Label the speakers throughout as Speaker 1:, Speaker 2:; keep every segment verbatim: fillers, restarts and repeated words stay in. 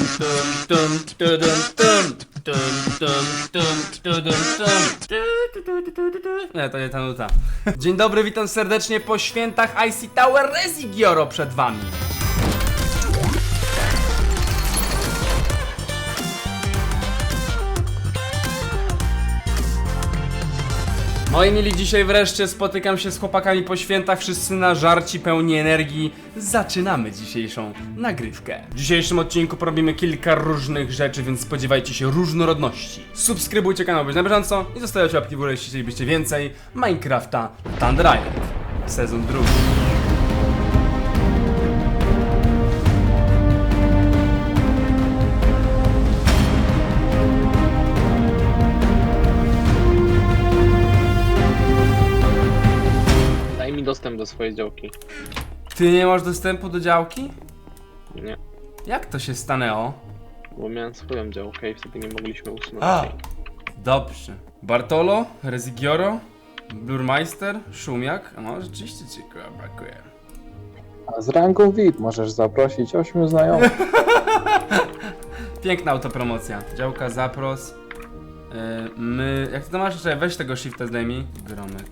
Speaker 1: tum, tudum, tum, tum, tum, tum, tudum, tum, tu, tu, tu, tu, tu, tu, tu. Nie, to nie ta nuta. Dzień dobry, witam serdecznie po świętach I C Tower Rezigioro przed wami. Moi mili, dzisiaj wreszcie spotykam się z chłopakami po świętach, wszyscy na żarci, pełni energii. Zaczynamy dzisiejszą nagrywkę. W dzisiejszym odcinku porobimy kilka różnych rzeczy, więc spodziewajcie się różnorodności. Subskrybujcie kanał, być na bieżąco i zostawiajcie łapki w górę, jeśli chcielibyście więcej Minecrafta Thunder Island. Sezon drugi.
Speaker 2: Daj mi dostęp do swojej działki.
Speaker 1: Ty nie masz dostępu do działki?
Speaker 2: Nie,
Speaker 1: Jak to się stanęło?
Speaker 2: bo miałem swoją działkę i wtedy nie mogliśmy usunąć
Speaker 1: A,
Speaker 2: jej.
Speaker 1: dobrze. Bartolo, Rezigioro, Blurmeister, Szumiak. No, rzeczywiście ci brakuje.
Speaker 3: A z rangą V I P możesz zaprosić ośmiu znajomych.
Speaker 1: Piękna autopromocja. Działka zapros. Yy, my. Jak ty to masz jeszcze? Weź tego shifta zdejmij. Gromek.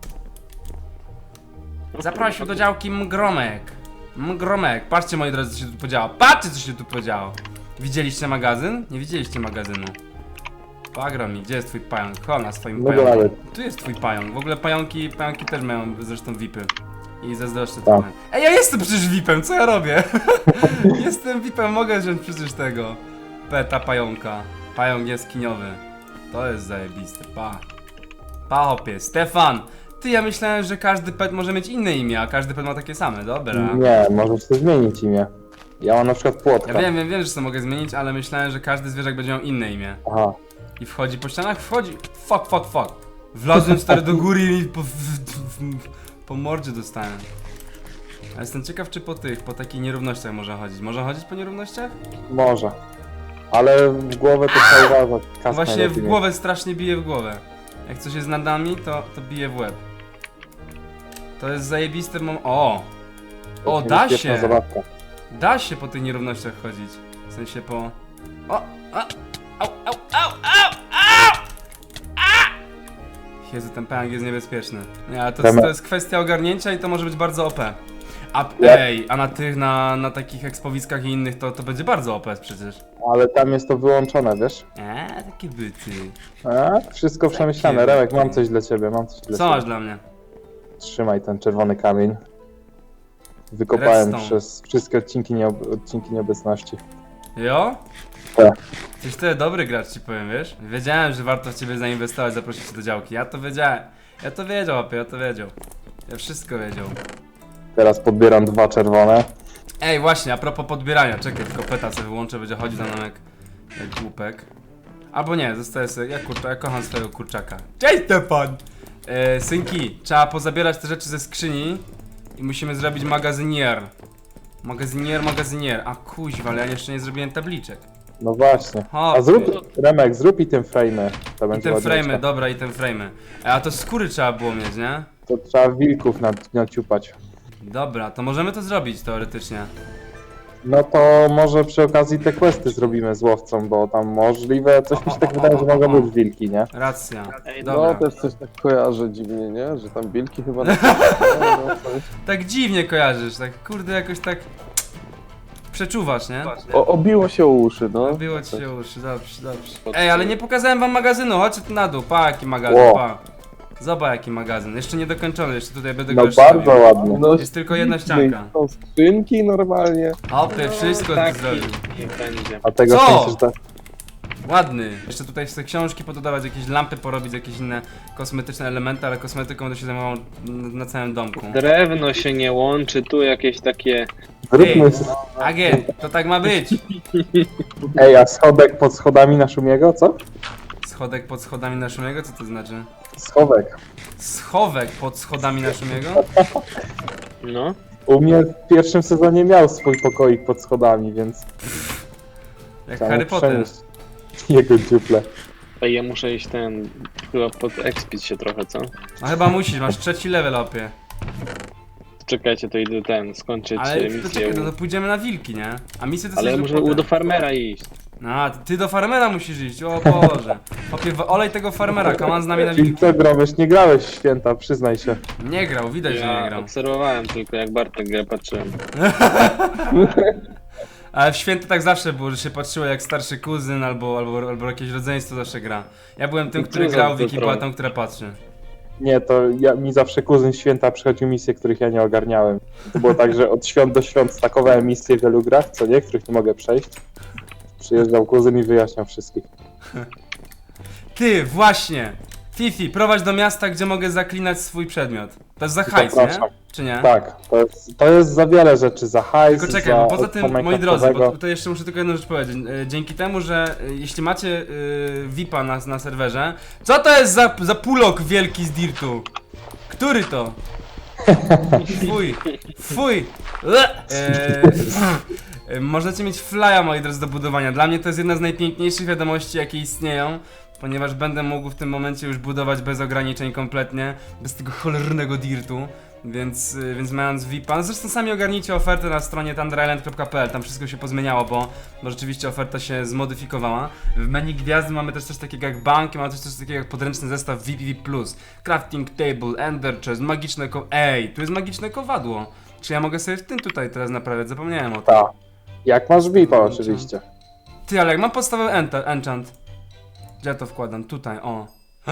Speaker 1: Zaprosił do działki Mgromek. Mgromek. Patrzcie, moi drodzy, co się tu podziało. Patrzcie, co się tu podziało. Widzieliście magazyn? Nie widzieliście magazynu. Pagromi, gdzie jest twój pająk? Chodź na swoim
Speaker 3: No
Speaker 1: pająku.
Speaker 3: ale-
Speaker 1: Tu jest twój pająk. W ogóle pająki, pająki też mają zresztą V I P-y. I zazdroszczę
Speaker 3: Tak.
Speaker 1: trochę. Ej, ja jestem przecież V I P-em, co ja robię? Jestem V I P-em, mogę wziąć przecież tego peta pająka. Pająk jaskiniowy. To jest zajebiste, pa. Pa hopie, Stefan! Ty, ja myślałem, że każdy pet może mieć inne imię, a każdy pet ma takie same, dobra.
Speaker 3: Nie, możesz sobie zmienić imię. Ja mam na przykład płotka.
Speaker 1: Ja wiem, wiem, wiem, że to mogę zmienić, ale myślałem, że każdy zwierzak będzie miał inne imię.
Speaker 3: Aha.
Speaker 1: I wchodzi po ścianach, wchodzi. Fuck, fuck, fuck. Wlazłem stary do góry i po, w, w, po mordzie dostałem. A jestem ciekaw, czy po tych, po takich nierównościach można chodzić. Można chodzić po nierównościach?
Speaker 3: Może. Ale w głowę to trzeba uważać.
Speaker 1: No
Speaker 3: Kas
Speaker 1: właśnie
Speaker 3: najlepiej
Speaker 1: w
Speaker 3: mieć.
Speaker 1: głowę strasznie bije w głowę. Jak coś jest nad nami, to, to bije w łeb. To jest zajebisty mom... O! O,
Speaker 3: To
Speaker 1: da
Speaker 3: niebezpieczna
Speaker 1: się!
Speaker 3: zabawka.
Speaker 1: Da się po tych nierównościach chodzić. W sensie po... O! A! Au, au, au, au, au! A! Jezu, ten pająk jest niebezpieczny. Nie, ale to,
Speaker 3: Temat.
Speaker 1: to jest kwestia ogarnięcia i to może być bardzo O P. A,
Speaker 3: Ja-
Speaker 1: ej, a na tych, na, na takich ekspowiskach i innych to, to będzie bardzo O P przecież.
Speaker 3: Ale tam jest to wyłączone, wiesz?
Speaker 1: Eee, takie byty.
Speaker 3: A, wszystko przemyślane.
Speaker 1: Takie
Speaker 3: Remek, mam
Speaker 1: byty.
Speaker 3: coś dla ciebie, mam coś dla
Speaker 1: Co
Speaker 3: ciebie.
Speaker 1: masz dla mnie?
Speaker 3: Trzymaj ten czerwony kamień. Wykopałem
Speaker 1: Redstone.
Speaker 3: przez wszystkie odcinki, nieob odcinki nieobecności.
Speaker 1: Jo?
Speaker 3: Tak.
Speaker 1: Jesteś tyle dobry gracz, ci powiem, wiesz? Wiedziałem, że warto w ciebie zainwestować, zaprosić cię do działki. Ja to wiedziałem. Ja to wiedział, opie, ja to wiedział. Ja wszystko wiedział.
Speaker 3: Teraz podbieram dwa czerwone.
Speaker 1: Ej, właśnie, a propos podbierania, czekaj, tylko peta sobie wyłączę, będzie chodzić za mną jak, jak głupek. Albo nie, zostaję sobie, ja, kurcza, ja kocham swojego kurczaka. Cześć, Stefan! E, synki, trzeba pozabierać te rzeczy ze skrzyni i musimy zrobić magazynier. Magazynier, magazynier. A kuźwa, ale ja jeszcze nie zrobiłem tabliczek.
Speaker 3: No właśnie.
Speaker 1: Hopie.
Speaker 3: A zrób, Remek, zrób i tym frame'y. To
Speaker 1: I
Speaker 3: będzie
Speaker 1: te
Speaker 3: ładniejsze.
Speaker 1: frame'y, dobra, i te frame'y. E, A to skóry trzeba było mieć, nie?
Speaker 3: To trzeba wilków nad, naciupać.
Speaker 1: Dobra, to możemy to zrobić teoretycznie.
Speaker 3: No to może przy okazji te questy zrobimy z łowcą, bo tam możliwe, coś mi się tak wydaje, że mogą być wilki, nie?
Speaker 1: Racja.
Speaker 2: Ej,
Speaker 1: Dobra.
Speaker 4: No też coś tak kojarzę dziwnie, nie? Że tam bilki chyba na... no, no, coś.
Speaker 1: Tak dziwnie kojarzysz, tak kurde jakoś tak... Przeczuwasz, nie?
Speaker 4: O, obiło się o uszy, no.
Speaker 1: Było ci się uszy, dobrze, dobrze. Ej, ale nie pokazałem wam magazynu, chodźcie tu na dół, pa jaki magazyn,
Speaker 3: Ło.
Speaker 1: pa. Zobacz jaki magazyn, jeszcze nie dokończony, jeszcze tutaj będę
Speaker 3: No
Speaker 1: go
Speaker 3: bardzo
Speaker 1: robił.
Speaker 3: ładnie.
Speaker 4: No,
Speaker 1: Jest tylko jedna
Speaker 4: śliczne i
Speaker 1: ścianka.
Speaker 4: Są skrzynki normalnie.
Speaker 1: Hopy, wszystko
Speaker 2: tak
Speaker 1: tu zrobił.
Speaker 2: niech będzie.
Speaker 3: A tego
Speaker 1: Co?
Speaker 3: w sensie, że tak...
Speaker 1: Ładny. Jeszcze tutaj chcę książki pododawać, jakieś lampy porobić, jakieś inne kosmetyczne elementy, ale kosmetyką będę się zajmował na na całym domku.
Speaker 2: Drewno się nie łączy, tu jakieś takie...
Speaker 3: Zróbmy...
Speaker 1: Ej. Agent, to tak ma być.
Speaker 3: Ej, a schodek pod schodami na Szumiego, co?
Speaker 1: Schodek pod schodami na Szumiego, co to znaczy?
Speaker 3: Schowek.
Speaker 1: Schowek pod schodami na Szumiego?
Speaker 2: No.
Speaker 3: U mnie w pierwszym sezonie miał swój pokoik pod schodami, więc...
Speaker 1: Jak
Speaker 3: trzeba
Speaker 1: Harry Potter.
Speaker 3: przenieść jego dziuple.
Speaker 2: Ej, ja muszę iść ten... chyba pod expić się trochę, co?
Speaker 1: No chyba musisz, masz trzeci level opie.
Speaker 2: Czekajcie, to idę ten, skończyć
Speaker 1: Ale
Speaker 2: e,
Speaker 1: to
Speaker 2: misję.
Speaker 1: czekaj, no to pójdziemy na wilki, nie? A misje to
Speaker 2: Ale ja
Speaker 1: coś
Speaker 2: muszę
Speaker 1: potem.
Speaker 2: do farmera iść.
Speaker 1: A, ty do farmera musisz iść, o Boże. Chłopie, w- olej tego farmera, kaman z nami na
Speaker 3: Czyli
Speaker 1: wilki.
Speaker 3: co, grałeś? Nie grałeś w święta, przyznaj się.
Speaker 1: Nie grał, widać, że nie
Speaker 2: Ja
Speaker 1: grał.
Speaker 2: obserwowałem tylko jak Bartek grę, patrzyłem.
Speaker 1: Ale w święta tak zawsze było, że się patrzyło jak starszy kuzyn albo, albo, albo jakieś rodzeństwo zawsze gra. Ja byłem tym,
Speaker 2: I
Speaker 1: który
Speaker 2: co za
Speaker 1: grał, Wiki
Speaker 2: wytron?
Speaker 1: była tą, która patrzy.
Speaker 3: Nie, to ja, mi zawsze kuzyn święta przychodził misje, których ja nie ogarniałem. To było tak, że od świąt do świąt stakowałem misje w wielu grach, co nie, których nie mogę przejść. Przyjeżdżał kuzyn i wyjaśniał wszystkich.
Speaker 1: Ty, właśnie! Fifi, prowadź do miasta, gdzie mogę zaklinać swój przedmiot. To jest za hajs, nie?
Speaker 3: Zapraszam.
Speaker 1: Czy nie?
Speaker 3: Tak, to jest, to jest za wiele rzeczy, za hajs,
Speaker 1: Tylko czekaj,
Speaker 3: za
Speaker 1: bo poza tym,
Speaker 3: od
Speaker 1: moi drodzy, bo
Speaker 3: Minecraftowego.
Speaker 1: to jeszcze muszę tylko jedną rzecz powiedzieć. E, Dzięki temu, że e, jeśli macie e, V I P-a na, na serwerze, co to jest za, za pulok wielki z dirtu? Który to? Fuj, fuj. Le. E, e, możecie mieć flya, moi drodzy, do budowania. Dla mnie to jest jedna z najpiękniejszych wiadomości, jakie istnieją. Ponieważ będę mógł w tym momencie już budować bez ograniczeń kompletnie, bez tego cholernego dirtu. Więc, y, więc mając V I P-a, no zresztą sami ogarnijcie ofertę na stronie thunder island kropka p l, tam wszystko się pozmieniało, bo, bo rzeczywiście oferta się zmodyfikowała. W menu gwiazdy mamy też coś takiego jak banki, mamy też coś takiego jak podręczny zestaw V I P V plus, crafting table, ender chest, magiczne ko... Ej, tu jest magiczne kowadło. Czy ja mogę sobie w tym tutaj teraz naprawiać? Zapomniałem o tym.
Speaker 3: Tak. Jak masz V I P-a oczywiście.
Speaker 1: Ty, ale jak mam podstawę enter, enchant. Gdzie ja to wkładam? Tutaj, o.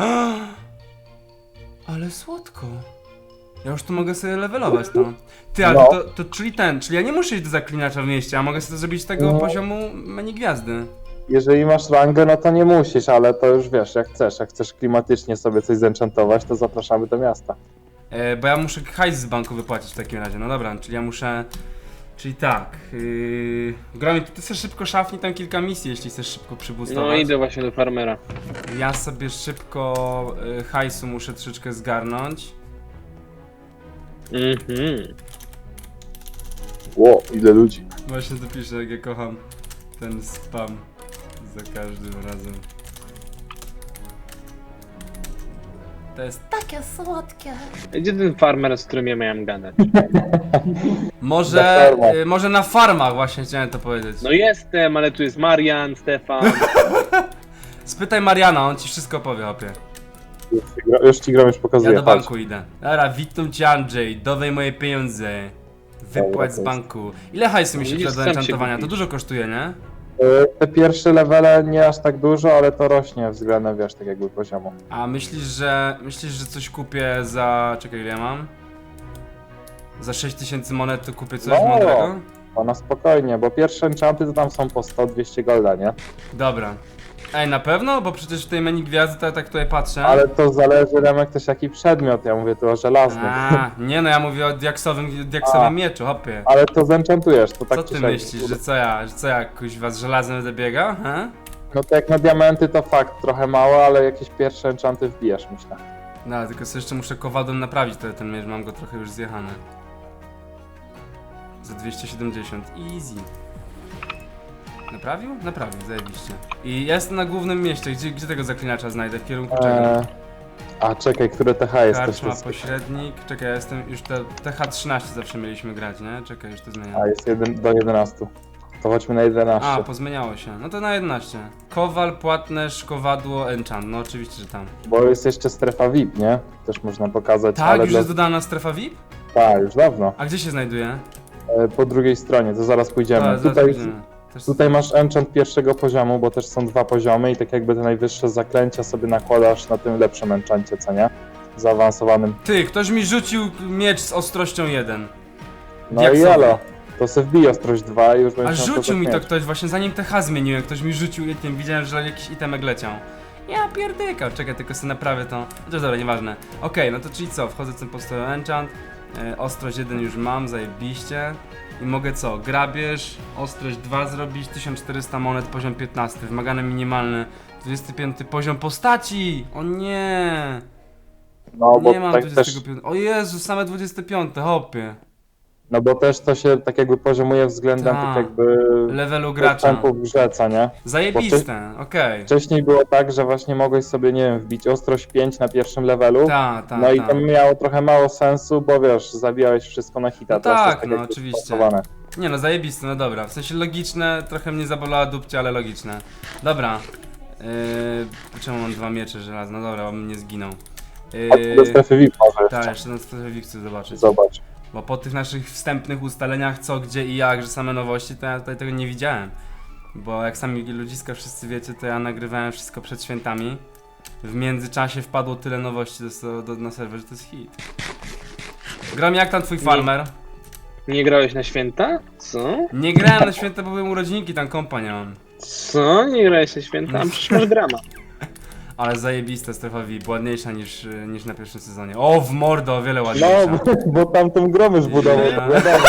Speaker 1: Ale słodko. Ja już tu mogę sobie levelować to. Ty, ale
Speaker 3: No.
Speaker 1: to, to czyli ten, czyli ja nie muszę iść do zaklinacza w mieście, a mogę sobie to zrobić z tego
Speaker 3: No.
Speaker 1: poziomu menu gwiazdy.
Speaker 3: Jeżeli masz rangę, no to nie musisz, ale to już wiesz, jak chcesz. Jak chcesz klimatycznie sobie coś zenchantować, to zapraszamy do miasta.
Speaker 1: E, bo ja muszę hajs z banku wypłacić w takim razie, no dobra, czyli ja muszę... Czyli tak, yy... Gramy, ty chcesz szybko szafnij tam kilka misji, jeśli chcesz szybko przybustować.
Speaker 2: No idę właśnie do farmera.
Speaker 1: Ja sobie szybko y, hajsu muszę troszeczkę zgarnąć.
Speaker 2: Mhm.
Speaker 3: Ło, ile ludzi.
Speaker 1: Właśnie to piszę, jak ja kocham ten spam za każdym razem. To jest
Speaker 5: Takie słodkie.
Speaker 2: Gdzie ten farmer, z którym ja miałem gadać?
Speaker 1: Może,
Speaker 3: Na farmach.
Speaker 1: y, może na farmach właśnie chciałem to powiedzieć.
Speaker 2: No jestem, ale tu jest Marian, Stefan.
Speaker 1: Spytaj Mariana, on ci wszystko powie, opie.
Speaker 3: Już ci, gra- już ci gram, już
Speaker 1: Ja
Speaker 3: pokazuję.
Speaker 1: do
Speaker 3: chodź.
Speaker 1: banku idę. Dobra, witam cię Andrzej, dawaj moje pieniądze. Wypłać
Speaker 3: Dobra,
Speaker 1: z
Speaker 3: to jest-
Speaker 1: banku. Ile hajsu mi się
Speaker 2: Widzisz,
Speaker 1: przyda do
Speaker 2: sam się
Speaker 1: enchantowania? To
Speaker 2: kupi.
Speaker 1: dużo kosztuje, nie?
Speaker 3: Y, Te pierwsze levele nie aż tak dużo, ale to rośnie względem, wiesz, tak jakby poziomu.
Speaker 1: A myślisz, że myślisz, że coś kupię za... czekaj, ile ja mam? Za sześć tysięcy monet to kupię coś
Speaker 3: No.
Speaker 1: mądrego?
Speaker 3: To na spokojnie, bo pierwsze enchanty to tam są po sto dwieście golda, nie?
Speaker 1: Dobra. Ej, na pewno? Bo przecież w tej menu gwiazdy to ja tak tutaj patrzę.
Speaker 3: Ale to zależy, Remek, też jaki przedmiot, ja mówię tu o żelaznym.
Speaker 1: A, nie no, ja mówię o diaksowym, diaksowym
Speaker 3: A.
Speaker 1: mieczu, hopie.
Speaker 3: Ale to zenchantujesz, to tak
Speaker 1: Co
Speaker 3: czy
Speaker 1: ty
Speaker 3: siak.
Speaker 1: myślisz, że co ja, że co ja, kuźwa, z żelazem będę biegał, he?
Speaker 3: No to jak na diamenty to fakt, trochę mało, ale jakieś pierwsze enchanty wbijesz, myślę.
Speaker 1: No, tylko sobie jeszcze muszę kowadłem naprawić ten, ten miecz, mam go trochę już zjechany. Za dwieście siedemdziesiąt, easy. Naprawił? Naprawił, zajebiście. I ja jestem na głównym mieście, gdzie, gdzie tego zaklinacza znajdę, w kierunku czego?
Speaker 3: Eee, a czekaj, które T H jest też
Speaker 1: Karczma,
Speaker 3: jest.
Speaker 1: pośrednik, czekaj, ja jestem już te, T H trzynaście zawsze mieliśmy grać, nie? Czekaj, już to zmieniam.
Speaker 3: A jest jeden do jedenastu. To chodźmy na jedenaście.
Speaker 1: A, pozmieniało się. No to na jedenaście. Kowal, płatnerz, kowadło, enchant. No oczywiście, że tam.
Speaker 3: Bo jest jeszcze strefa V I P, nie? Też można pokazać,
Speaker 1: Tak,
Speaker 3: ale
Speaker 1: już
Speaker 3: dla...
Speaker 1: jest dodana strefa V I P?
Speaker 3: Tak, już dawno.
Speaker 1: A gdzie się znajduje?
Speaker 3: E, po drugiej stronie, to zaraz pójdziemy.
Speaker 1: A, zaraz
Speaker 3: tutaj,
Speaker 1: pójdziemy. Też...
Speaker 3: tutaj masz enchant pierwszego poziomu, bo też są dwa poziomy i tak jakby te najwyższe zaklęcia sobie nakładasz na tym lepszym enchancie, co nie? Zaawansowanym.
Speaker 1: Ty, ktoś mi rzucił miecz z ostrością jeden.
Speaker 3: No
Speaker 1: Diaksowy.
Speaker 3: i elo. To se wbij ostrość dwa i już
Speaker 1: A
Speaker 3: będziesz miał
Speaker 1: rzucił mi to
Speaker 3: tak mieć.
Speaker 1: ktoś, właśnie zanim T H zmieniłem, ktoś mi rzucił i tym widziałem, że jakiś itemek leciał. Ja pierdykał, czekaj, tylko sobie naprawię to. Chociaż dobra, nieważne. Okej, no to czyli co, wchodzę w ten postoju enchant, e, ostrość jeden już mam, zajebiście. I mogę co, grabież, ostrość dwa zrobić, tysiąc czterysta monet, poziom piętnasty, wymagany minimalny, dwudziesty piąty poziom postaci! O nie!
Speaker 3: No bo
Speaker 1: Nie mam
Speaker 3: tak też
Speaker 1: dwudziestego piątego. O Jezu, same dwudzieste piąte, hopie.
Speaker 3: No bo też to się tak jakby poziomuje względem
Speaker 1: Tak.
Speaker 3: tak jakby
Speaker 1: Levelu gracza.
Speaker 3: postępu w grze, co nie?
Speaker 1: Zajebiste, okej.
Speaker 3: Wcześniej było tak, że właśnie mogłeś sobie, nie wiem, wbić ostrość pięć na pierwszym levelu.
Speaker 1: Ta, ta,
Speaker 3: No i
Speaker 1: ta.
Speaker 3: to miało trochę mało sensu, bo wiesz, zabijałeś wszystko na hita.
Speaker 1: No
Speaker 3: teraz
Speaker 1: tak,
Speaker 3: jest tak
Speaker 1: no
Speaker 3: jakby
Speaker 1: oczywiście.
Speaker 3: spasowane.
Speaker 1: Nie no, zajebiste, no dobra. W sensie logiczne, trochę mnie zabolała dupcia, ale logiczne. Dobra. Yy, czemu mam dwa miecze żelazne? No dobra, bym nie zginął.
Speaker 3: Chodź do strefy V I P może
Speaker 1: Tak,
Speaker 3: jeszcze.
Speaker 1: jeszcze na strefie V I P chcę zobaczyć.
Speaker 3: Zobacz.
Speaker 1: Bo po tych naszych wstępnych ustaleniach co, gdzie i jak, że same nowości, to ja tutaj tego nie widziałem. Bo jak sami ludziska wszyscy wiecie, to ja nagrywałem wszystko przed świętami. W międzyczasie wpadło tyle nowości do, do, na serwer, że to jest hit. Gram, jak tam twój farmer?
Speaker 2: Nie grałeś na święta? Co?
Speaker 1: Nie grałem na święta, bo były urodzinki, tam kompa nie mam.
Speaker 2: Co? Nie grałeś na święta? A przecież masz grama.
Speaker 1: Ale zajebista strefa V I P, ładniejsza niż, y, niż na pierwszym sezonie. O, w mordo, o wiele
Speaker 3: No,
Speaker 1: ładniejsza.
Speaker 3: bo, bo tam tą gromę już budował,
Speaker 1: Ja.
Speaker 3: to wiadomo.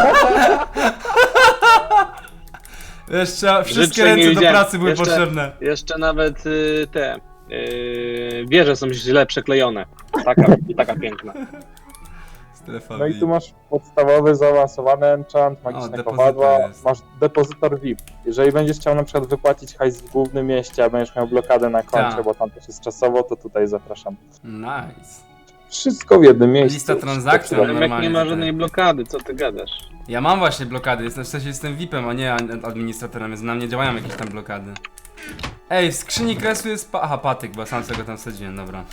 Speaker 1: Jeszcze wszystkie
Speaker 2: Życzeń nie
Speaker 1: ręce do
Speaker 2: widziałem.
Speaker 1: pracy były
Speaker 2: Jeszcze-
Speaker 1: potrzebne.
Speaker 2: Jeszcze nawet y, te y, wieże są źle przeklejone. Taka, i taka piękna.
Speaker 1: Strefa
Speaker 3: No i
Speaker 1: V
Speaker 3: tu
Speaker 1: I P.
Speaker 3: masz podstawowy, zaawansowany enchant,
Speaker 1: O,
Speaker 3: magiczne
Speaker 1: depozytor
Speaker 3: kowadła,
Speaker 1: jest.
Speaker 3: masz depozytor V I P. Jeżeli będziesz chciał na przykład wypłacić hajs w głównym mieście, a będziesz miał blokadę na koncie,
Speaker 1: Tak.
Speaker 3: bo tam też jest czasowo, to tutaj zapraszam.
Speaker 1: Nice.
Speaker 3: Wszystko w jednym miejscu.
Speaker 1: Lista transakcji,
Speaker 3: Wszystko
Speaker 1: no.
Speaker 2: Remek
Speaker 1: normalnie
Speaker 2: nie ma
Speaker 1: tutaj.
Speaker 2: żadnej blokady, co ty gadasz?
Speaker 1: Ja mam właśnie blokady, jestem, w sensie jestem V I P-em, a nie ad- administratorem, więc na mnie działają jakieś tam blokady. Ej, w skrzyni kresu jest pa aha, patyk, bo sam sobie go tam wsadziłem, dobra.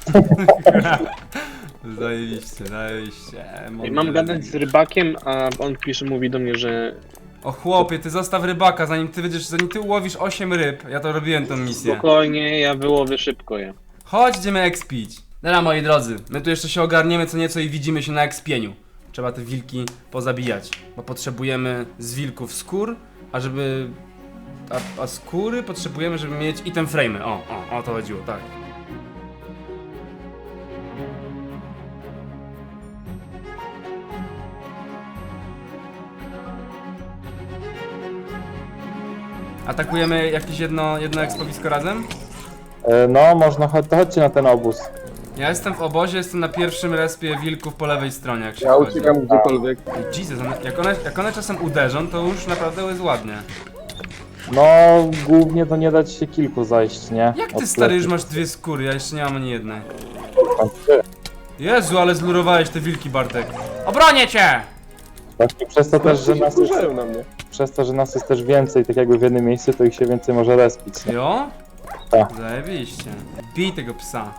Speaker 1: Zajebiście, zajebiście.
Speaker 2: I mam gadać z rybakiem, a on pisze, mówi do mnie, że
Speaker 1: O chłopie, ty zostaw rybaka, zanim ty będziesz, zanim ty ułowisz osiem ryb, ja to robiłem tą misję.
Speaker 2: spokojnie, ja wyłowię szybko je.
Speaker 1: Chodź, idziemy expić. Dobra, moi drodzy, my tu jeszcze się ogarniemy co nieco i widzimy się na expieniu. Trzeba te wilki pozabijać, bo potrzebujemy z wilków skór, a żeby... A, a skóry potrzebujemy, żeby mieć item frame'y. O, o, o to chodziło, tak. Atakujemy jakieś jedno, jedno expowisko razem?
Speaker 3: E, No, można, chodź, to chodźcie na ten obóz.
Speaker 1: Ja jestem w obozie, jestem na pierwszym respie wilków po lewej stronie, jak się
Speaker 4: Ja
Speaker 1: wchodzi.
Speaker 4: uciekam gdziekolwiek.
Speaker 1: Jesus, one, jak, one, jak one czasem uderzą, to już naprawdę jest ładnie.
Speaker 3: No, głównie to nie dać się kilku zajść, nie?
Speaker 1: Jak
Speaker 3: Od
Speaker 1: ty stary już
Speaker 3: sklepu.
Speaker 1: masz dwie skóry, ja jeszcze nie mam ani jednej.
Speaker 3: Tam trzy.
Speaker 1: Jezu, ale zlurowałeś te wilki, Bartek. Obronię cię!
Speaker 3: Właśnie przez to też, że nas jest,
Speaker 4: Wkurzają na mnie.
Speaker 3: przez to, że nas jest też więcej, tak jakby w jednym miejscu, to ich się więcej może respić, nie?
Speaker 1: Jo?
Speaker 3: Tak.
Speaker 1: Zajebiście. Bij tego psa.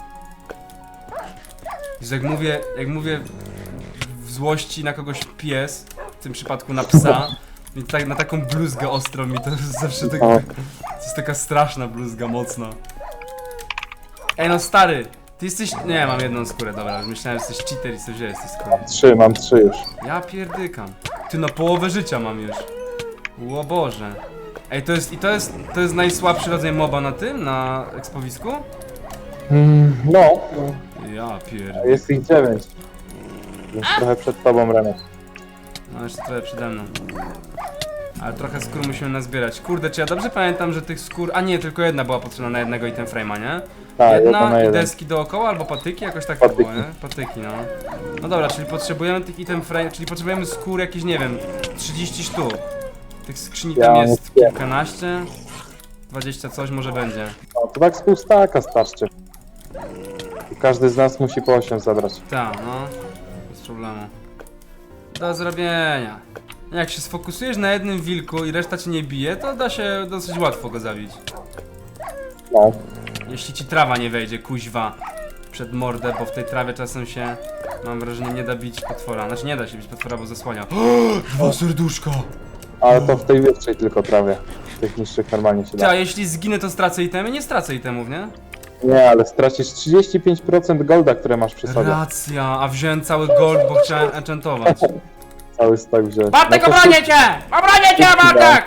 Speaker 1: Jezu, jak mówię, jak mówię w złości na kogoś pies, w tym przypadku na psa, i tak, na taką bluzgę ostrą mi to jest zawsze tak,
Speaker 3: O.
Speaker 1: to jest taka straszna bluzga, mocna. Ej no stary, ty jesteś, nie mam jedną skórę, dobra, myślałem, że jesteś cheater i sobie wziąłeś tej skóry.
Speaker 3: Trzy, mam trzy już.
Speaker 1: Ja pierdykam. Ty na połowę życia mam już. O Boże. Ej, to jest, i to jest, to jest najsłabszy rodzaj moba na tym, na ekspowisku?
Speaker 3: Mm, no,
Speaker 1: Ja pierd...
Speaker 3: jest ich dziewięć. Więc trochę przed tobą, Renek.
Speaker 1: No jeszcze trochę przede mną. Ale trochę skór musimy nazbierać. Kurde, czy ja dobrze pamiętam, że tych skór... A nie, tylko jedna była potrzebna na jednego item frame'a, nie?
Speaker 3: Tak, jedna
Speaker 1: Jedna
Speaker 3: na
Speaker 1: i
Speaker 3: jeden.
Speaker 1: deski dookoła, albo patyki, jakoś tak to
Speaker 3: Patyki.
Speaker 1: było, nie? Patyki, no. No dobra, czyli potrzebujemy tych item frame, czyli potrzebujemy skór jakieś, nie wiem, trzydzieści sztuk. Tych skrzyni
Speaker 3: Ja
Speaker 1: tam
Speaker 3: mam
Speaker 1: jest
Speaker 3: dwie.
Speaker 1: kilkanaście. dwadzieścia coś może będzie.
Speaker 3: No, to tak z pół staka starczy. I każdy z nas musi po osiem zabrać.
Speaker 1: Tak, no. Bez problemu. Do zrobienia. Jak się sfokusujesz na jednym wilku i reszta cię nie bije, to da się dosyć łatwo go zabić.
Speaker 3: No.
Speaker 1: Jeśli ci trawa nie wejdzie, kuźwa, przed mordę, bo w tej trawie czasem się, mam wrażenie, nie da bić potwora. Znaczy nie da się bić potwora, bo zasłania. Dwa serduszka!
Speaker 3: Ale to w tej wyższej tylko trawie. W tych niższych normalnie się
Speaker 1: Ty, a
Speaker 3: da.
Speaker 1: jeśli zginę, to stracę itemy? Nie stracę itemów, nie?
Speaker 3: Nie, ale stracisz trzydzieści pięć procent golda, które masz przy sobie.
Speaker 1: Racja, a wziąłem cały gold, bo chciałem enchantować.
Speaker 3: Cały stak wziąć.
Speaker 1: Bartek,
Speaker 3: No to
Speaker 1: obronię cię! Obronię cię, Bartek!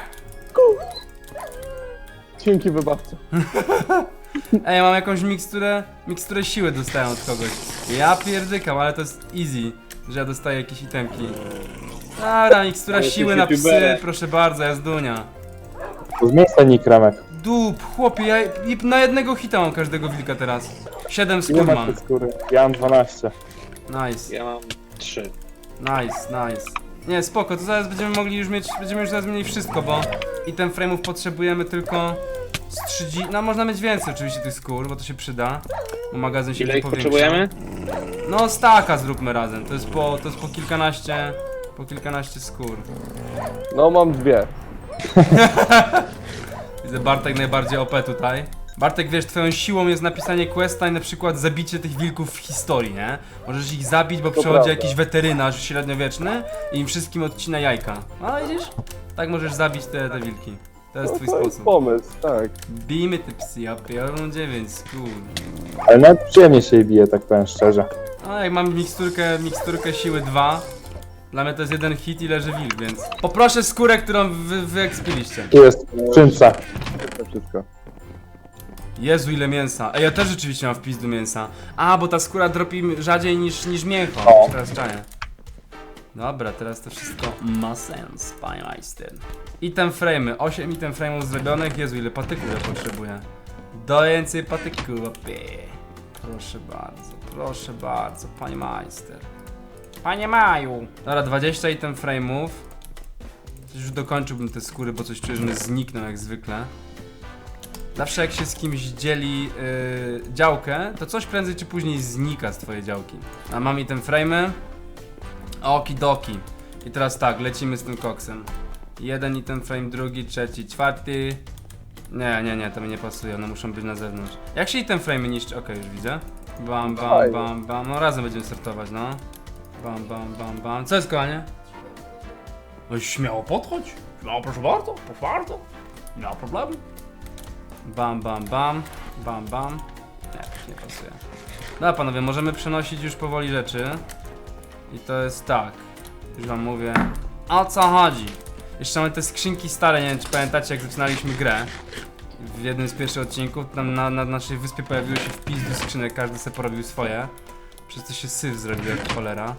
Speaker 4: Dzięki wybawco.
Speaker 1: Ej, mam jakąś miksturę, miksturę siły dostałem od kogoś. Ja pierdykam, ale to jest easy, że ja dostaję jakieś itemki. Dobra, mikstura
Speaker 2: Ale
Speaker 1: siły
Speaker 2: jesteś
Speaker 1: na psy,
Speaker 2: youtuberem.
Speaker 1: proszę bardzo, jazdunia.
Speaker 3: To zmień ten nick, Remek.
Speaker 1: Dup, chłopie, ja i na jednego hita mam każdego wilka teraz. Siedem
Speaker 3: Nie
Speaker 1: skór
Speaker 3: ma
Speaker 1: mam.
Speaker 3: tej skóry. Ja mam dwanaście.
Speaker 1: Nice,
Speaker 2: Ja mam trzy.
Speaker 1: nice, nice. Nie, spoko, to zaraz będziemy mogli już mieć, będziemy już zaraz mieli wszystko, bo i ten frame'ów potrzebujemy tylko z trzydzieści, no można mieć więcej oczywiście tych skór, bo to się przyda, bo magazyn się
Speaker 2: Ile
Speaker 1: nie
Speaker 2: ich
Speaker 1: powiększa.
Speaker 2: potrzebujemy?
Speaker 1: No staka zróbmy razem, to jest po, to jest po kilkanaście, po kilkanaście skór.
Speaker 4: No mam dwie.
Speaker 1: Widzę Bartek najbardziej O P tutaj. Bartek, wiesz, twoją siłą jest napisanie questa i na przykład zabicie tych wilków w historii, nie? Możesz ich zabić, bo przychodzi
Speaker 4: prawda.
Speaker 1: jakiś weterynarz średniowieczny i im wszystkim odcina jajka. A widzisz? Tak możesz zabić te, te wilki. To jest
Speaker 4: No
Speaker 1: twój
Speaker 4: to jest
Speaker 1: sposób.
Speaker 4: pomysł, tak.
Speaker 1: Bijmy te psy, ja pierdolę dziewięć skór.
Speaker 3: Ale nawet przyjemnie się jej bije, tak powiem szczerze.
Speaker 1: No jak mam miksturkę, miksturkę siły dwa, dla mnie to jest jeden hit i leży wilk, więc... Poproszę skórę, którą wy, wyekspiliście.
Speaker 3: Tu jest w skrzynce.
Speaker 4: To wszystko.
Speaker 1: Jezu, ile mięsa. Ej, ja też rzeczywiście mam w pizdu mięsa. A, bo ta skóra dropi rzadziej niż, niż mięcho.
Speaker 3: O.
Speaker 1: Teraz czaję. Dobra, teraz to wszystko ma sens, panie majster. Item frame'y, osiem item frame'ów zrobionych. Jezu, ile patyków ja potrzebuję. Do więcej patyków, opie. Proszę bardzo, proszę bardzo, panie majster. Panie Maju. Dobra, dwadzieścia item frame'ów. Już dokończyłbym te skóry, bo coś czuję, że one znikną jak zwykle. Zawsze jak się z kimś dzieli yy, działkę, to coś prędzej czy później znika z twojej działki. A mam i ten frame'y. Okidoki. I teraz tak, lecimy z tym koksem. Jeden i ten frame, drugi, trzeci, czwarty. Nie, nie, nie, to mi nie pasuje, one muszą być na zewnątrz. Jak się i ten frame niszczy? Okej, już widzę. Bam, bam,
Speaker 4: Fajnie.
Speaker 1: bam, bam. No razem będziemy sortować, no. Bam, bam, bam, bam. Co jest, kochanie? No śmiało podchodź. Śmiało, proszę bardzo, proszę bardzo. Nie ma problemu. Bam, bam, bam, bam, bam. Nie, nie pasuje. Dobra panowie, możemy przenosić już powoli rzeczy. I to jest tak. Już wam mówię. O co chodzi? Jeszcze mamy te skrzynki stare, nie wiem czy pamiętacie jak zaczynaliśmy grę. W jednym z pierwszych odcinków tam na, na naszej wyspie pojawiły się wpis skrzynek, każdy sobie porobił swoje. Przez to się syf zrobił jak cholera.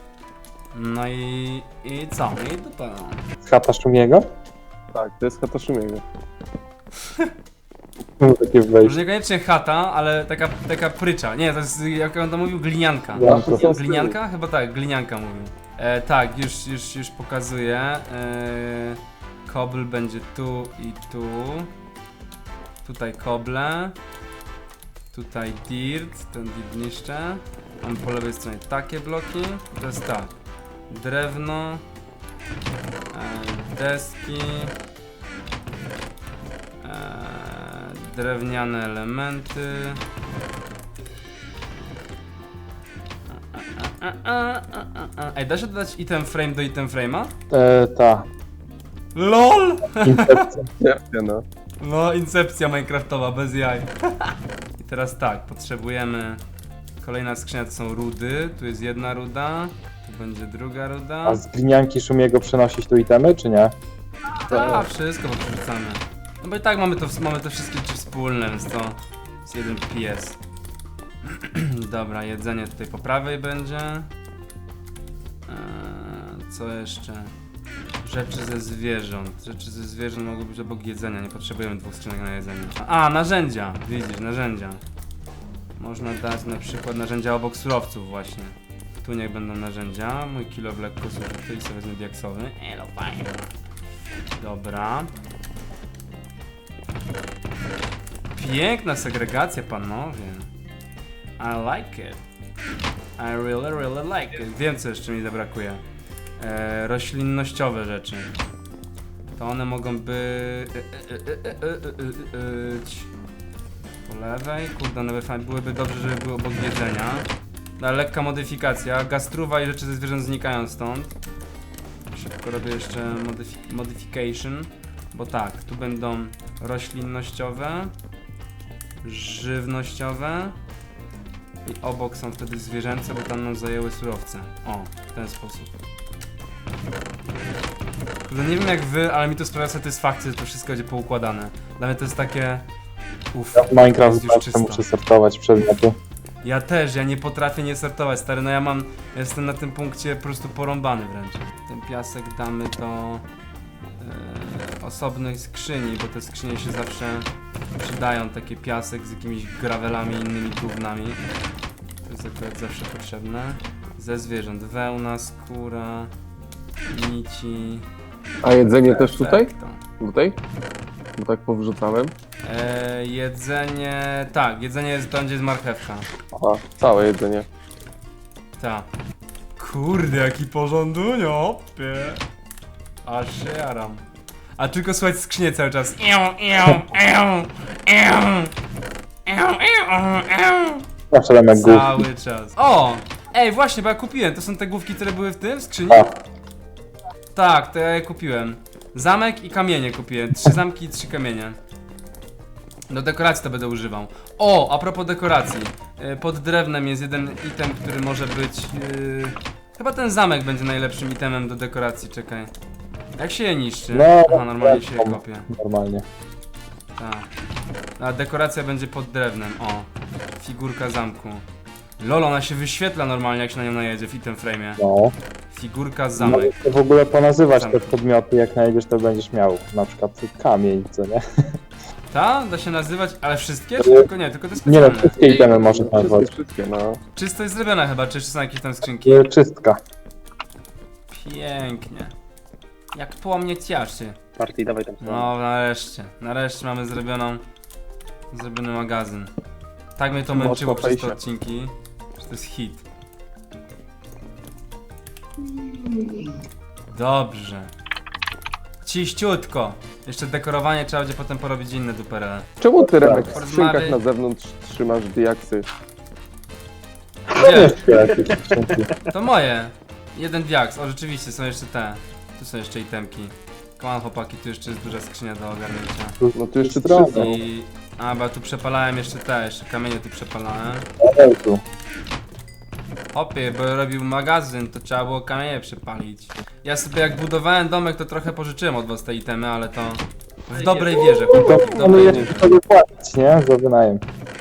Speaker 1: No i... i co? I dupa.
Speaker 3: Z chata Szumiego?
Speaker 4: Tak, to jest chata Szumiego.
Speaker 3: No, takie
Speaker 1: Może
Speaker 3: wejście.
Speaker 1: niekoniecznie chata, ale taka, taka prycza. Nie, to jest, jak on to mówił, glinianka.
Speaker 3: Ja, to
Speaker 4: są
Speaker 1: Glinianka? Chyba tak, glinianka mówił. E, tak, już, już, już pokazuję. E, kobl będzie tu i tu. Tutaj koble. Tutaj dirt, ten dirt niszczę. Mam po lewej stronie takie bloki. To jest tak. Drewno. E, deski. E, drewniane elementy. A, a, a, a, a. Ej, da się dodać item frame do item frame'a?
Speaker 3: E, ta.
Speaker 1: LOL!
Speaker 3: Incepcja.
Speaker 4: Nie, no.
Speaker 1: No, incepcja minecraftowa, bez jaj. I teraz tak, potrzebujemy... Kolejna skrzynia to są rudy. Tu jest jedna ruda. Tu będzie druga ruda.
Speaker 3: A z glinianki Szumiego przenosić tu itemy, czy nie?
Speaker 1: A, wszystko podrzucamy. No bo i tak mamy to, mamy te wszystkie rzeczy wspólne, więc to jest jeden pies. Dobra, jedzenie tutaj po prawej będzie. Eee, co jeszcze? Rzeczy ze zwierząt. Rzeczy ze zwierząt mogą być obok jedzenia, nie potrzebujemy dwóch skrzynek na jedzenie. A, narzędzia! Widzisz, narzędzia. Można dać na przykład narzędzia obok surowców właśnie. Tu niech będą narzędzia. Mój kilo w lekko zużyty i sobie wezmę diaksowy. Elo, fajnie. Dobra. Piękna segregacja, panowie. I like it. I really, really like it. Wiem, co jeszcze mi zabrakuje. E, roślinnościowe rzeczy. To one mogą być... Po lewej. Kurde, one by fajnie- byłyby dobrze, żeby były obok jedzenia. No, lekka modyfikacja. Gastruwa i rzeczy ze zwierząt znikają stąd. Szybko robię jeszcze modyfi modification. Bo tak, tu będą roślinnościowe, żywnościowe i obok są wtedy zwierzęce, bo tam nam zajęły surowce. O, w ten sposób. Kurde, nie wiem jak wy, ale mi to sprawia satysfakcję, że to wszystko będzie poukładane. Dla mnie to jest takie... Uff,
Speaker 3: Ja w Minecraft
Speaker 1: jest już
Speaker 3: zawsze
Speaker 1: czysto.
Speaker 3: muszę sortować przedmioty.
Speaker 1: Ja też, ja nie potrafię nie sortować, stary, no ja mam, ja jestem na tym punkcie po prostu porąbany wręcz. Ten piasek damy do e, osobnej skrzyni, bo te skrzynie się zawsze przydają, takie piasek z jakimiś gravelami i innymi gównami. To jest akurat zawsze potrzebne. Ze zwierząt, wełna, skóra, Nici...
Speaker 4: A jedzenie też tutaj?
Speaker 1: Perfekto.
Speaker 4: Tutaj? Bo tak powrzucałem.
Speaker 1: E, jedzenie... Tak, jedzenie jest tam, gdzie jest marchewka.
Speaker 4: Aha, całe jedzenie.
Speaker 1: Tak. Kurde, jaki porządunio, opie. Aż się jaram. A tylko słuchać skrzynię cały czas. Iu, iu, iu, iu, iu, iu, iu.
Speaker 3: Zawsze dam jak głów.
Speaker 1: Cały czas. O! Ej, właśnie, bo ja kupiłem. To są te główki, które były w tym, w skrzyni?
Speaker 3: A.
Speaker 1: Tak, to ja je kupiłem. Zamek i kamienie kupiłem. Trzy zamki i trzy kamienie. Do dekoracji to będę używał. O, a propos dekoracji. Yy, Pod drewnem jest jeden item, który może być... Yy... Chyba ten zamek będzie najlepszym itemem do dekoracji, czekaj. Jak się je niszczy?
Speaker 3: No,
Speaker 1: Aha, normalnie się je
Speaker 3: wiadomo.
Speaker 1: kopie.
Speaker 3: Normalnie.
Speaker 1: Tak. A dekoracja będzie pod drewnem. O, figurka zamku. Lol, ona się wyświetla normalnie, jak się na nią najedzie w item frame'ie.
Speaker 3: No.
Speaker 1: Figurka zamek.
Speaker 3: Możesz to w ogóle ponazywać
Speaker 1: Zamek.
Speaker 3: te podmioty, jak najedziesz, to będziesz miał. Na przykład kamień, co nie?
Speaker 1: Ta? Da się nazywać, ale wszystkie? Czy tylko nie? Tylko te
Speaker 3: Nie no,
Speaker 1: specjalne.
Speaker 3: wszystkie itemy można nazwać.
Speaker 4: Wszystkie, wszystkie, no.
Speaker 1: Czysto jest zrobione chyba, czy jeszcze są jakieś tam skrzynki?
Speaker 3: Yy, Czystka.
Speaker 1: Pięknie. Jak po mnie cieszy.
Speaker 2: Partii, dawaj tam.
Speaker 1: No nareszcie. Nareszcie mamy zrobioną... Zrobiony magazyn. Tak mnie to
Speaker 4: Mocno
Speaker 1: męczyło przez te
Speaker 4: fejsie.
Speaker 1: odcinki, że to jest hit. Dobrze. Ciściutko. Jeszcze dekorowanie trzeba będzie potem porobić inne duperele.
Speaker 4: Czemu ty, Remek, w
Speaker 1: Porozmawiaj.
Speaker 4: skrzynkach na zewnątrz trzymasz diaksy?
Speaker 1: Gdzie?
Speaker 3: Jeszcze jakieś skrzynki.
Speaker 1: To moje. Jeden diaks. O, rzeczywiście, są jeszcze te. Tu są jeszcze itemki. Come on, chłopaki, tu jeszcze jest duża skrzynia do ogarnięcia.
Speaker 4: No tu jeszcze
Speaker 3: Stronę.
Speaker 4: trzy są.
Speaker 1: I... A, bo ja tu przepalałem jeszcze te, jeszcze kamienie tu przepalałem.
Speaker 3: Ej, tu.
Speaker 1: Hopie, bo robił magazyn, to trzeba było kamienie przepalić. Ja sobie jak budowałem domek, to trochę pożyczyłem od was te itemy, ale to... W dobrej wierze,
Speaker 3: To
Speaker 1: chłopaki, w
Speaker 3: mamy
Speaker 1: dobrej
Speaker 3: jeszcze
Speaker 1: wierze.
Speaker 3: sobie płacić, nie? Za wynajem.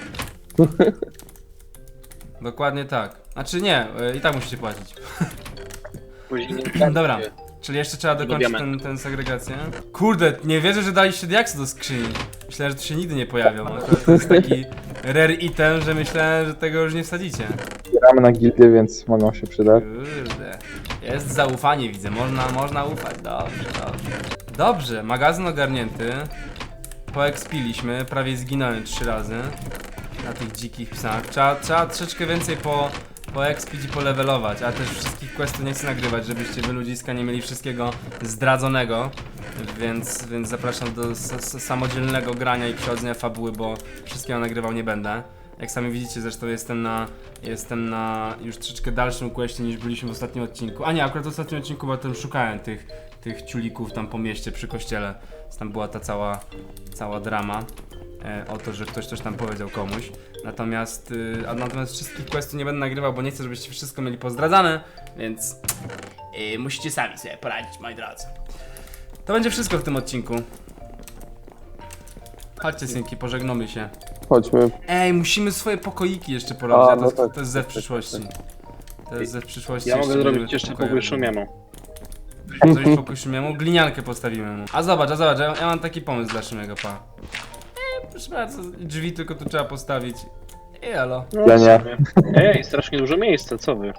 Speaker 1: Dokładnie tak. Znaczy nie, y, i tak musicie płacić.
Speaker 2: Później
Speaker 1: Dobra, czyli jeszcze trzeba dokończyć
Speaker 2: Lubiamy.
Speaker 1: ten, ten segregację. Kurde, nie wierzę, że daliście diaksy do skrzyni. Myślałem, że to się nigdy nie pojawią. Akurat to jest taki rare item, że myślałem, że tego już nie wsadzicie.
Speaker 3: Gramy na gildię, więc mogą się przydać.
Speaker 1: Kurde. Jest zaufanie, widzę. Można, można ufać. Dobrze, dobrze. Dobrze, magazyn ogarnięty. Poekspiliśmy, prawie zginąłem trzy razy na tych dzikich psach. Trzeba, trzeba troszeczkę więcej po, poekspić i polevelować, a też wszystkich questów nie chcę nagrywać, żebyście wy ludziska nie mieli wszystkiego zdradzonego. Więc, więc zapraszam do s- s- samodzielnego grania i przechodzenia fabuły, bo wszystkiego nagrywał nie będę. Jak sami widzicie, zresztą jestem na, jestem na już troszeczkę dalszym questie niż byliśmy w ostatnim odcinku. A nie, akurat w ostatnim odcinku, bo tam szukałem tych, tych ciulików tam po mieście przy kościele. Więc tam była ta cała, cała drama e, o to, że ktoś coś tam powiedział komuś. Natomiast, y, a natomiast wszystkich questów nie będę nagrywał, bo nie chcę, żebyście wszystko mieli pozdradzane, więc y, musicie sami sobie poradzić, moi drodzy. To będzie wszystko w tym odcinku. Chodźcie, synki, pożegnamy się.
Speaker 4: Chodźmy.
Speaker 1: Ej, musimy swoje pokoiki jeszcze porobić,
Speaker 4: A,
Speaker 1: a to,
Speaker 4: no
Speaker 1: to,
Speaker 4: tak,
Speaker 1: to jest ze w
Speaker 4: tak, tak,
Speaker 1: przyszłości. To jest ze w przyszłości.
Speaker 2: Ja mogę
Speaker 1: będziemy
Speaker 2: zrobić
Speaker 1: te
Speaker 2: jeszcze
Speaker 1: pokoje
Speaker 2: pokój
Speaker 1: robili.
Speaker 2: szumiemu.
Speaker 1: Zrobić pokój Szymiemu, gliniankę postawimy mu. A zobacz, a zobacz, ja, ja mam taki pomysł dla Szymiego, pa. Ej, proszę bardzo, drzwi tylko tu trzeba postawić. I elo.
Speaker 2: No,
Speaker 3: Ja nie.
Speaker 2: w sumie. Ej, strasznie dużo miejsca, co wy?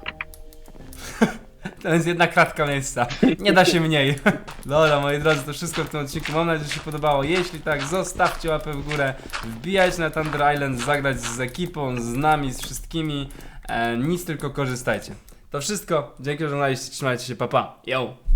Speaker 1: To jest jedna kratka miejsca. Nie da się mniej. Dobra, moi drodzy, to wszystko w tym odcinku. Mam nadzieję, że się podobało. Jeśli tak, zostawcie łapę w górę. Wbijajcie na Thunder Island, zagrać z ekipą, z nami, z wszystkimi. E, nic, tylko korzystajcie. To wszystko. Dzięki, że oglądaliście. Trzymajcie się, pa pa. Yo!